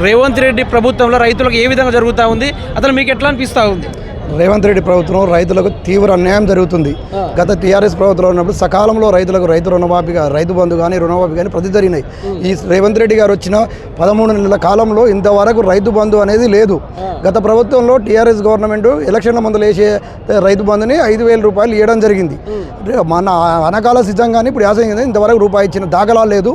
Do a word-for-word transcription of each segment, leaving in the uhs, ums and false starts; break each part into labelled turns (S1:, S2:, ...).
S1: రేవంత్ రెడ్డి ప్రభుత్వంలో రైతులకు ఏ విధంగా జరుగుతూ ఉంది, అసలు మీకు ఎట్లా అనిపిస్తూ ఉంది?
S2: రేవంత్ రెడ్డి ప్రభుత్వం రైతులకు తీవ్ర అన్యాయం జరుగుతుంది. గత టీఆర్ఎస్ ప్రభుత్వంలో ఉన్నప్పుడు సకాలంలో రైతులకు రైతు రుణమాఫీగా రైతు బంధు కానీ రుణమాఫీ కానీ ప్రతి జరిగినాయి. ఈ రేవంత్ రెడ్డి గారు వచ్చిన పదమూడు నెలల కాలంలో ఇంతవరకు రైతు బంధు అనేది లేదు. గత ప్రభుత్వంలో టీఆర్ఎస్ గవర్నమెంట్ ఎలక్షన్ల మందులు వేసే రైతు బంధుని ఐదు వేల రూపాయలు ఇవ్వడం జరిగింది. మన అనకాల సిద్ధం కానీ ఇప్పుడు యాసంగి ఇంతవరకు రూపాయి ఇచ్చిన దాఖలా లేదు.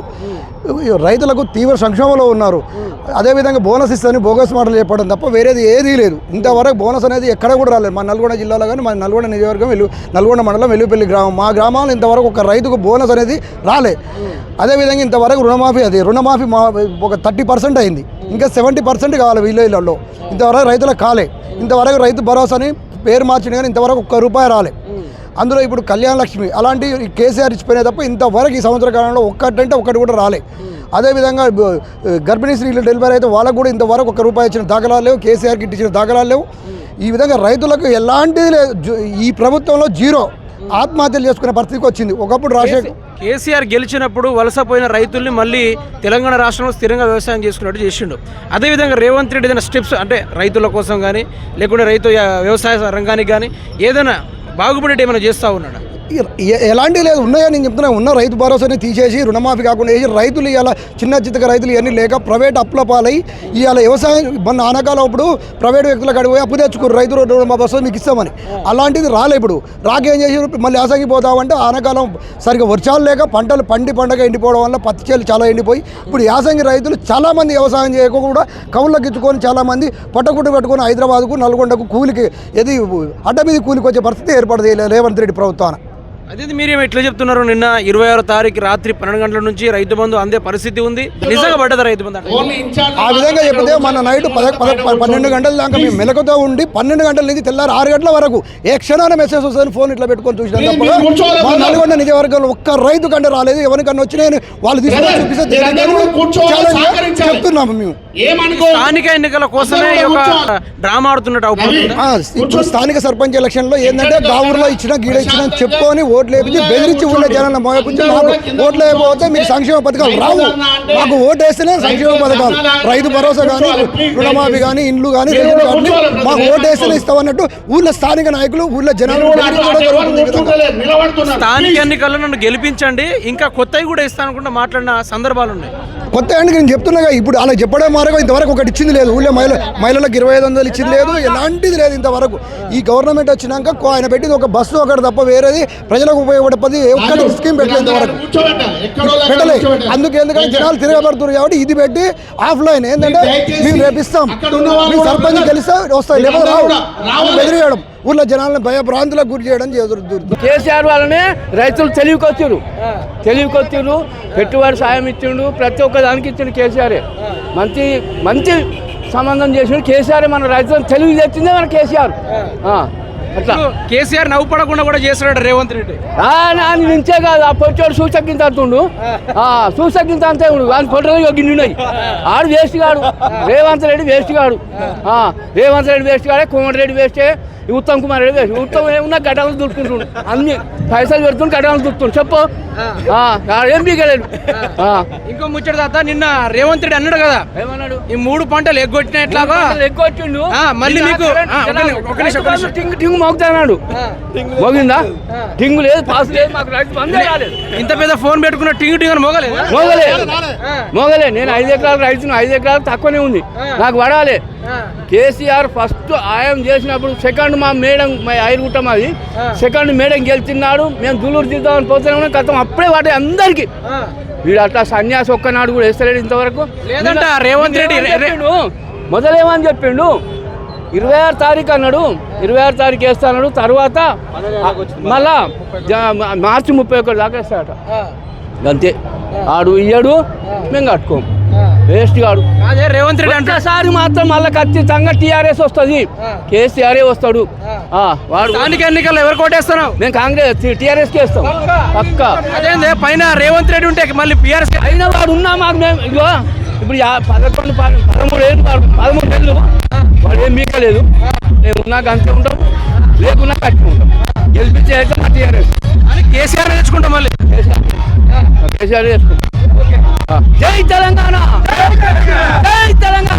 S2: రైతులకు తీవ్ర సంక్షోభంలో ఉన్నారు. అదేవిధంగా బోనస్ ఇస్తారని బోగస్ మాటలు చెప్పడం తప్ప వేరేది ఏదీ లేదు. ఇంతవరకు బోనస్ అనేది ఎక్కడ కూడా రాలేదు. మా నల్గొండ జిల్లాలో కానీ మా నల్గొండ నియోజకవర్గం వెలు నల్గొండ మండలం వెల్లుపల్లి గ్రామం మా గ్రామాలు ఇంతవరకు ఒక రైతుకు బోనస్ అనేది రాలే. అదేవిధంగా ఇంతవరకు రుణమాఫీ అది రుణమాఫీ మా ఒక థర్టీ పర్సెంట్ అయింది. ఇంకా సెవెంటీ పర్సెంట్ కావాలి విలేజ్లలో. ఇంతవరకు రైతులకు కాలే. ఇంతవరకు రైతు భరోసాని పేరు మార్చిన కానీ ఇంతవరకు ఒక్క రూపాయి రాలే. అందులో ఇప్పుడు కళ్యాణ లక్ష్మి అలాంటి కేసీఆర్ ఇచ్చిపోయినాయి తప్ప ఇంతవరకు ఈ సంవత్సర కాలంలో ఒక్కటంటే ఒక్కటి కూడా రాలే. అదేవిధంగా గర్భిణీ స్త్రీలు డెలివరీ అయితే వాళ్ళకు కూడా ఇంతవరకు ఒక్క రూపాయి ఇచ్చిన దాఖలాలు లేవు. కేసీఆర్కి ఇచ్చిన దాఖలాలు లేవు. ఈ విధంగా రైతులకు ఎలాంటి ఈ ప్రభుత్వంలో జీరో ఆత్మహత్యలు చేసుకునే పరిస్థితికి వచ్చింది. ఒకప్పుడు రాజశేఖర్
S1: కేసీఆర్ గెలిచినప్పుడు వలసపోయిన రైతుల్ని మళ్ళీ తెలంగాణ రాష్ట్రంలో స్థిరంగా వ్యవసాయం చేసుకున్నట్టు చేసిండు. అదేవిధంగా రేవంత్ రెడ్డి ఏదైనా స్టెప్స్ అంటే రైతుల కోసం కానీ లేకుంటే రైతు వ్యవసాయ రంగానికి కానీ ఏదైనా బాగుపడేటి ఏమైనా చేస్తూ ఉన్నాడు?
S2: ఎలాంటి లేదు ఉన్నాయా నేను చెప్తున్నా. ఉన్న రైతు భరోసాని తీసేసి రుణమాఫీ కాకుండా వేసి రైతులు ఇవాళ చిన్న చిత్తక రైతులు ఇవన్నీ లేక ప్రైవేట్ అప్పుల పాలై ఇవాళ వ్యవసాయం మన ఆనకాలం ఇప్పుడు ప్రైవేట్ వ్యక్తులకు అడిగిపోయి అప్పు తెచ్చుకోరు రైతు రుణమాఫీ వస్తుంది మీకు ఇస్తామని. అలాంటిది రాలే. ఇప్పుడు రాకేం చేసి మళ్ళీ యాసంగిపోతామంటే ఆనకాలం సరిగ్గా వర్షాలు లేక పంటలు పండి పండగ ఎండిపోవడం వల్ల పత్తి చేలు చాలా ఎండిపోయి ఇప్పుడు యాసంగి రైతులు చాలామంది వ్యవసాయం చేయకుండా కవులకు ఇచ్చుకొని చాలామంది పట్టకుట్టు పెట్టుకొని హైదరాబాద్కు నల్గొండకు కూలికి ఏది అడ్డ మీద కూలికి వచ్చే పరిస్థితి ఏర్పడదు రేవంత్ రెడ్డి ప్రభుత్వాన.
S1: అదే మీరేమో ఎట్లా చెప్తున్నారు? నిన్న ఇరవై ఆరో తారీఖు రాత్రి పన్నెండు గంటల నుంచి రైతు బంధు అందే పరిస్థితి ఉంది. నిజంగా పడ్డదా రైతు బంధు?
S2: ఆ విధంగా చెప్తే మన నైట్ పద పన్నెండు గంటల దాకా మేము మెలకుతో ఉండి పన్నెండు గంటల నుంచి తెల్లారు ఆరు గంటల వరకు ఏ క్షణాన మెసేజ్ వస్తుంది ఫోన్ ఇట్లా పెట్టుకొని చూసినా తప్ప మా నల్గొండ నియోజకవర్గంలో ఒక్క రైతు కంటే రాలేదు. ఎవరికన్నా వచ్చినాయని వాళ్ళు తీసుకొని చూపిస్తే చెప్తున్నాము మేము.
S1: స్థానిక ఎన్నికల కోసమే డ్రామా ఆడుతున్నట్టు
S2: ఇప్పుడు స్థానిక సర్పంచ్ ఎలక్షన్ లో ఏంటంటే గావురులో ఇచ్చిన గీడ ఇచ్చిన చెప్పుకొని ఓట్లు వేపించి బెదిరించి ఊళ్ళో జనాలను మోపించి మాకు ఓట్లు వేయకపోతే మీకు సంక్షేమ పథకాలు రావు. మాకు ఓటు వేస్తేనే సంక్షేమ పథకాలు రైతు భరోసా కానీ రుణమాఫీ కానీ ఇండ్లు కానీ రేట్లు కానీ మాకు ఓటు వేస్తేనే ఇస్తామన్నట్టు ఊళ్ళో స్థానిక నాయకులు ఊళ్ళో జనాలు
S1: స్థానిక ఎన్నికల్లో నన్ను గెలిపించండి ఇంకా కొత్తవి కూడా ఇస్తానుకుంటే మాట్లాడిన సందర్భాలు ఉన్నాయి.
S2: కొత్త అండి నేను చెప్తున్నా ఇప్పుడు అలా చెప్పడం మారగా ఇంతవరకు ఒకటి ఇచ్చింది లేదు. ఊళ్ళో మహిళ మహిళలకు ఇరవై ఐదు వందలు ఇచ్చింది లేదు. ఎలాంటిది లేదు ఇంతవరకు. ఈ గవర్నమెంట్ వచ్చినాక ఆయన పెట్టింది ఒక బస్సు ఒకటి తప్ప వేరేది ప్రజలకు ఉపయోగపడే ఒక్కటి స్కీమ్ పెట్టలేదు ఇంతవరకు పెట్టలేదు. అందుకు ఎందుకంటే జనాలు తిరగబడుతున్నారు కాబట్టి ఇది పెట్టి ఆఫ్లైన్ ఏంటంటే మేము రేపిస్తాం మీ సర్పంచ్ గెలిస్తే వస్తాయి లేకపోతే రావు బెదిరియడం ఊళ్ళో జనాలను భయభ్రాంతులకు గురి చేయడం జరుగుతుంది.
S3: కేసీఆర్ వాళ్ళనే రైతులు తెలివికొచ్చారు తెలివికొచ్చారు పెట్టుబడి సాయం ఇచ్చిండు. ప్రతి ఒక్క దానికి ఇచ్చిండు కేసీఆరే. మంచి మంచి సంబంధం చేసిండు కేసీఆర్. మన రైతులను తెలివి తెచ్చిందే మన కేసీఆర్. అట్లా
S1: కేసీఆర్ నవ్వుపడకుండా కూడా చేస్తున్నాడు రేవంత్ రెడ్డి.
S3: నుంచే కాదు ఆ పొట్టోడు సూచకింత అంటుండు. సూచకింత అంతే ఉండు కానీ పొట్టలు గిన్నెఉన్నాయి. ఆడు వేస్ట్ కాడు. రేవంత్ రెడ్డి వేస్ట్ కాడు. రేవంత్ రెడ్డి వేస్ట్ కాడే. కోమటిరెడ్డి వేస్టే. ఉత్తమ్ కుమార్ రెడ్డి వేస్ట్. ఉత్తమ్ ఏమున్నా గడ్డలు దుడుకుంటుండు. అన్ని పైసలు పెడుతుండు గడ్డలు దుడుతుండు. చెప్పు ఏం పీకలేడు.
S1: ఇంకో ముచ్చట తాత నిన్న రేవంత్ రెడ్డి అన్నాడు కదా
S3: ఏమన్నాడు?
S1: ఈ మూడు పంటలు ఎగ్గొట్టిన ఎట్లాగా
S3: ఎగ్గొట్టిండు.
S1: మళ్ళీ మీకు
S3: టింగు టింగు మోగుతాడు. మోగిందా? టింగు లేదు పాస్ లేదు మాకు రైతు బందే రాలేదు.
S1: ఇంత పెద్ద ఫోన్ పెట్టుకున్న టింగు టింగు మోగలేదు
S3: మోగలేదు మోగలే. నేను ఐదు ఎకరాలు రైతును. ఐదు ఎకరాలు తక్కువనే ఉంది నాకు పడాలి. కేసీఆర్ ఫస్ట్ ఆయం చేసినప్పుడు సెకండ్ మా మేడం మా ఐరుగుట్ట మాది సెకండ్ మేడం గెలిచినాడు. మేము దులూరు తీద్దామని పోతున్నాం గతం అప్పుడే వాటి అందరికి. వీడు అట్లా సన్యాసి ఒక్కనాడు కూడా వేస్తలేడు ఇంతవరకు.
S1: లేదంట రేవంత్ రెడ్డి
S3: మొదలేమని చెప్పిండు ఇరవై ఆరు తారీఖు అన్నాడు. ఇరవై ఆరు తారీఖు వేస్తాడు. తర్వాత మళ్ళా మార్చి ముప్పై ఒకటి దాకా వేస్తాడట. అంతే. ఆడు ఇయ్యాడు మేము కట్టుకోము. వేస్ట్ కాడు.
S1: రేవంత్ రెడ్డి
S3: అంటేసారి మాత్రం మళ్ళీ ఖచ్చితంగా టీఆర్ఎస్ వస్తుంది. కేసీఆర్ వస్తాడు.
S1: వాడు స్థానిక ఎన్నికల్లో ఎవరు కోటేస్తున్నావు?
S3: మేము కాంగ్రెస్ టీఆర్ఎస్ కి వేస్తాం పక్క.
S1: అదే పైన రేవంత్ రెడ్డి ఉంటే మళ్ళీ పిఆర్ఎస్
S3: అయినా వాడు ఉన్నా మాకు మేము ఇగో ఇప్పుడు పదకొండు పదమూడు ఏళ్ళు పదమూడు ఏళ్ళు వాడు ఏం మీకలేదు. మేము ఉన్నాక అంతే ఉంటాం లేకున్నా కట్టుకుంటాం. గెలిపించే మా టీఆర్ఎస్
S1: కేసీఆర్ తెచ్చుకుంటాం. మళ్ళీ
S3: కేసీఆర్ వేసుకుంటాం. జై తెలంగాణ. జై తెలంగాణ.